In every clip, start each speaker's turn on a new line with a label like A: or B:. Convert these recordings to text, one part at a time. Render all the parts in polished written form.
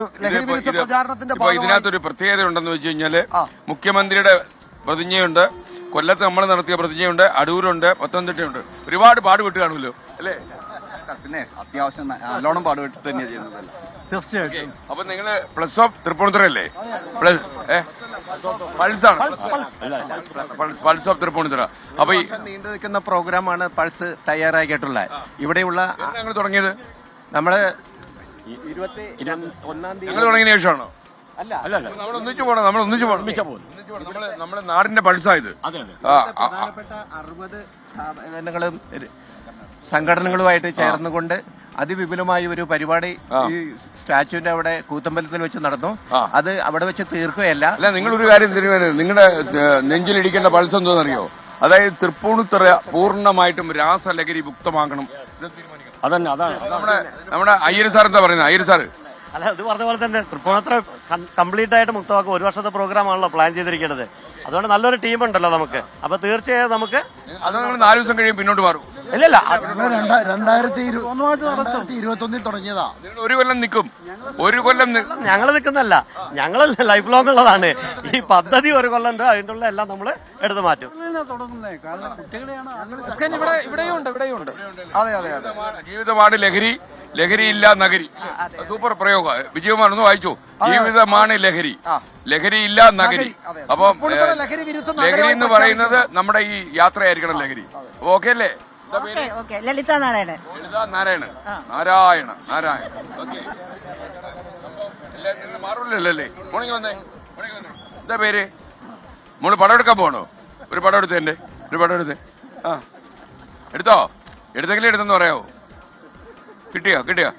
A: ഇതിനകത്തൊരു പ്രത്യേകത ഉണ്ടെന്ന് വെച്ച് കഴിഞ്ഞാല് മുഖ്യമന്ത്രിയുടെ പ്രതിജ്ഞയുണ്ട്, കൊല്ലത്ത് നമ്മൾ നടത്തിയ പ്രതിജ്ഞയുണ്ട്, അടൂരുണ്ട്, പത്തനംതിട്ടയുണ്ട്. ഒരുപാട് പാടുപെട്ട് കാണുമല്ലോ അല്ലേ?
B: പിന്നെ അത്യാവശ്യം നല്ലോണം പാടുപെട്ടിട്ട് തന്നെയാണ് ചെയ്യുന്നത്. തീർച്ചയായിട്ടും.
A: അപ്പൊ നിങ്ങള് പ്ലസ് ഓഫ് തൃപ്പൂണിത്തുറ അല്ലേ? പൾസാണ്, പൾസ് ഓഫ് തൃപ്പൂണിത്തുറ. അപ്പൊ ഈ
C: നീണ്ടു നിൽക്കുന്ന പ്രോഗ്രാമാണ് പൾസ് തയ്യാറാക്കിയിട്ടുള്ളത്. ഇവിടെയുള്ള
A: ഞങ്ങൾ തുടങ്ങിയത്
C: നമ്മള് 21-ാം തീയതി
A: ഞങ്ങൾ തുടങ്ങിയ ശേഷമാണോ? നമ്മൾ ഒന്നിച്ചു പോകണം, നമ്മുടെ നാടിന്റെ പൾസായത്.
C: പ്രധാനപ്പെട്ട 60 സ്ഥാപനങ്ങളും സംഘടനകളുമായിട്ട് ചേർന്നുകൊണ്ട് അതിവിപുലമായ ഒരു പരിപാടി ഈ സ്റ്റാച്യുവിന്റെ അവിടെ കൂത്തമ്പലത്തിൽ വെച്ച് നടന്നു. അത് അവിടെ വെച്ച് തീർക്കുകയല്ല.
A: അല്ല, നിങ്ങളൊരു കാര്യം തിരുവനന്തപുരം, നിങ്ങളുടെ നെഞ്ചിലിടിക്കേണ്ട പൾസ് എന്തോന്നറിയോ? അതായത് തൃപ്പൂണിത്തുറ പൂർണ്ണമായിട്ടും രാസലഹരി മുക്തമാക്കണം.
D: അതന്നെ, അതാണ്
A: നമ്മുടെ അയ്യർ സാർ എന്താ പറയുന്നത്? അയ്യർ സാറ്
D: അല്ല, അത് പറഞ്ഞ പോലെ തന്നെ തൃപ്പൂണിത്തുറ കംപ്ലീറ്റ് ആയിട്ട് മുക്തമാക്കും. ഒരു വർഷത്തെ പ്രോഗ്രാം ആണല്ലോ പ്ലാൻ ചെയ്തിരിക്കുന്നത്. അതുകൊണ്ട് നല്ലൊരു ടീം ഉണ്ടല്ലോ നമുക്ക്. അപ്പൊ തീർച്ചയായും നമുക്ക്
A: അത് നമ്മൾ 4 ദിവസം കഴിയും പിന്നോട്ട് മാറും.
D: ഇല്ലല്ല,
C: 2021 തുടങ്ങിയതാ.
A: ഒരു കൊല്ലം നിൽക്കും, ഒരു കൊല്ലം
D: ഞങ്ങൾ നിൽക്കുന്നല്ല, ഞങ്ങൾ ലൈഫ് ലോങ് ഉള്ളതാണ്. ഈ പദ്ധതി ഒരു കൊല്ലം ഉണ്ട്, അതിൻ്റെ ഉള്ള എല്ലാം നമ്മൾ എടുത്തു മാറ്റും.
A: ജീവിതമാണ് ലഹരി, ലഹരിയില്ല നഗരി. സൂപ്പർ പ്രയോഗ. വിജയകുമാർ ഒന്ന് വായിച്ചു. ജീവിതമാണ് ലഹരി, ലഹരിയില്ല നഗരി. അപ്പം ലഹരി എന്ന് പറയുന്നത് നമ്മുടെ ഈ യാത്രയായിരിക്കണം ലഹരി. ഓക്കെ അല്ലേ?
E: ലളിത നാരായണൻ.
A: നാരായണ. ഓക്കെ, മാറൂലല്ലേ? മോർണിംഗ് വന്നേ. എന്താ പേര്? മോള് പടം എടുക്കാൻ പോകണോ? ഒരു പടം എടുത്തേ, ഒരു പടം എടുത്തേ. എടുത്തോ? എടുത്തെങ്കിലും എടുത്തെന്ന് പറയാവോ? കിട്ടിയോ?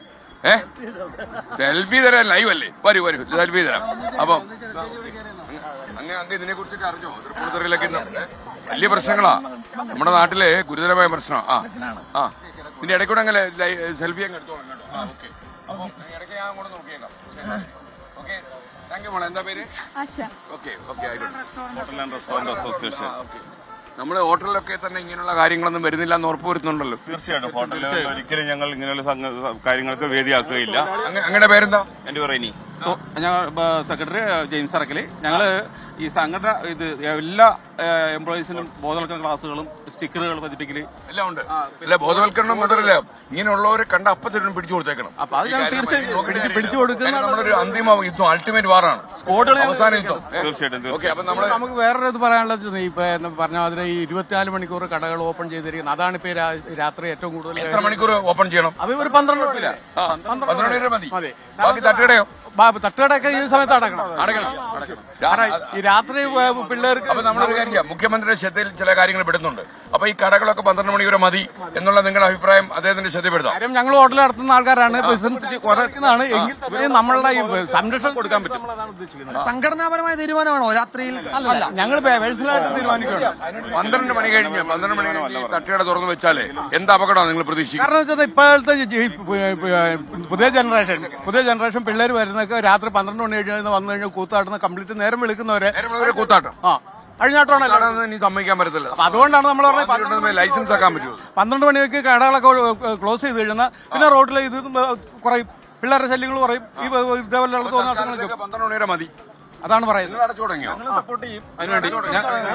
A: സെൽഫി തരാൻ ലൈവ് അല്ലേ? വരൂ സെൽഫി തരാം. അപ്പം അങ്ങ് ഇതിനെ കുറിച്ചൊക്കെ അറിഞ്ഞോ? തൃപ്പൂണിത്തുറയിലൊക്കെ വലിയ പ്രശ്നങ്ങളാ നമ്മുടെ നാട്ടിലെ, ഗുരുതരമായ പ്രശ്നം. ഇതിന്റെ ഇടയ്ക്കൂടെ അങ്ങനെ സെൽഫി അങ്ങ് എടുത്തോളാം കേട്ടോ. ഓക്കെ, അപ്പൊ ഇടയ്ക്ക് ഞാൻ അങ്ങോട്ട് നോക്കിയേക്കാം. ഓക്കെ, താങ്ക് യു മോളെ. എന്താ പേര്? Okay, restaurant association. നമ്മുടെ ഹോട്ടലിലൊക്കെ തന്നെ ഇങ്ങനെയുള്ള കാര്യങ്ങളൊന്നും വരുന്നില്ല എന്ന് ഉറപ്പുവരുത്തുന്നുണ്ടല്ലോ.
F: തീർച്ചയായിട്ടും ഹോട്ടലിൽ ഒരിക്കലും ഞങ്ങൾ ഇങ്ങനെയുള്ള കാര്യങ്ങൾക്ക് വേദിയാക്കുകയില്ല.
A: അങ്ങയുടെ പേരെന്താ?
F: എന്റെ പേര് ഇനി
B: ഞങ്ങൾ സെക്രട്ടറി ജെയിംസ് അറക്കലി. ഞങ്ങള് ഈ സംഘടന ഇത് എല്ലാ എംപ്ലോയീസിനും ബോധവൽക്കരണ ക്ലാസ്സുകളും സ്റ്റിക്കറുകൾ പതിപ്പിക്കല്
A: എല്ലാം ഉണ്ട്. അല്ല, ബോധവൽക്കരണം മാത്രമല്ല, ഇങ്ങനെയുള്ളവരെ കണ്ട അപ്പത്തിനും പിടിച്ചു കൊടുത്തേക്കണം.
B: അപ്പൊ അത് തീർച്ചയായും പിടിച്ചു കൊടുക്കുന്ന
A: നമ്മളൊരു അന്തിമ യുദ്ധം, അൾട്ടിമേറ്റ് വാറാണ്, അവസാന യുദ്ധം.
F: തീർച്ചയായിട്ടും.
B: നമുക്ക് വേറൊരു പറയാനുള്ളത്, ഇപ്പൊ പറഞ്ഞ മാതിരി ഈ 24 മണിക്കൂർ കടകൾ ഓപ്പൺ ചെയ്തിരിക്കുന്നത്. അതാണ് ഇപ്പൊ രാത്രി ഏറ്റവും കൂടുതൽ.
A: എത്ര മണിക്കൂർ ഓപ്പൺ ചെയ്യണം?
B: അത് ഒരു 12
A: മതി. ബാക്കി തട്ടുകടയോ?
B: തട്ടുകടയൊക്കെ ഈ സമയത്ത് അടക്കണം. ഈ രാത്രി പിള്ളേർക്ക്.
A: അപ്പൊ നമ്മളൊരു കാര്യം ചെയ്യാം, മുഖ്യമന്ത്രിയുടെ ശ്രദ്ധയിൽ ചില കാര്യങ്ങൾ പെടുന്നുണ്ട്. അപ്പൊ ഈ കടകളൊക്കെ 12 മണി വരെ മതി എന്നുള്ള നിങ്ങളുടെ അഭിപ്രായം അദ്ദേഹത്തിന്റെ ശ്രദ്ധപ്പെടുത്താം.
B: കാര്യം ഞങ്ങൾ ഹോട്ടൽ നടത്തുന്ന ആൾക്കാരാണ്, ബിസിനസ് കുറയ്ക്കുന്നതാണ്. എങ്കിൽ നമ്മളുടെ ഈ സംരക്ഷണം കൊടുക്കാൻ പറ്റും.
C: സംഘടനാപരമായ തീരുമാനമാണോ രാത്രിയിൽ?
B: അല്ല, ഞങ്ങൾ പേഴ്സണലായിട്ട് തീരുമാനിക്കുകയാണ്.
A: 12 മണി കഴിഞ്ഞ് തട്ടുകട തുറന്നു വെച്ചാലേ എന്ത് അപകടമാണ് നിങ്ങൾ പ്രതീക്ഷിക്കുന്നത്?
B: കാരണം വെച്ചാൽ ഇപ്പോഴത്തെ പുതിയ ജനറേഷൻ പിള്ളേർ വരുന്നൊക്കെ രാത്രി 12 മണി കഴിഞ്ഞ് വന്നു കഴിഞ്ഞാൽ കൂത്താട്ടുന്ന കംപ്ലീറ്റ് നേരം വിളിക്കുന്നവരെ
A: കൂത്താട്ടം
B: അഴിഞ്ഞാട്ടമാണല്ലോ.
A: ഇനി സമ്മതിക്കാൻ പറ്റത്തില്ല.
B: അതുകൊണ്ടാണ് നമ്മൾ പറഞ്ഞത്
A: ലൈസൻസ് ആക്കാൻ പറ്റുമോ?
B: 12 മണിക്ക് കടകളൊക്കെ ക്ലോസ് ചെയ്ത് കഴിഞ്ഞാൽ പിന്നെ റോഡിൽ ഇത് കുറയും, പിള്ളേരുടെ ശല്യങ്ങൾ കുറയും. ഈ ഇതേപോലെ
A: 12 മണി വരെ മതി.
B: അതാണ് പറയുന്നത്.
A: അടച്ചു തുടങ്ങിയോ?
B: സപ്പോർട്ട് ചെയ്യും അതിനുവേണ്ടി.
A: നിങ്ങൾ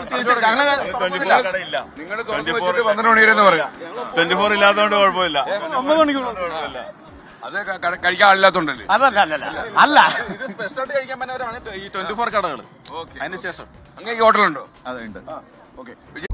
A: 12 മണി വരെ എന്ന് പറയാം.
F: 24 ഇല്ലാത്തതുകൊണ്ട് കുഴപ്പമില്ല.
B: 9 മണിക്കൂർ
A: അത് കഴിക്കാൻ ആളില്ലാത്തോണ്ടല്ലേ?
B: അല്ല, ഇത് സ്പെഷ്യലായിട്ട് കഴിക്കാൻ പറ്റുന്നവരാണ് ഈ 24 കടകൾ. അതിന് ശേഷം
A: അങ്ങനെ ഹോട്ടലുണ്ടോ?
C: അതുണ്ട്.
A: ഓക്കെ.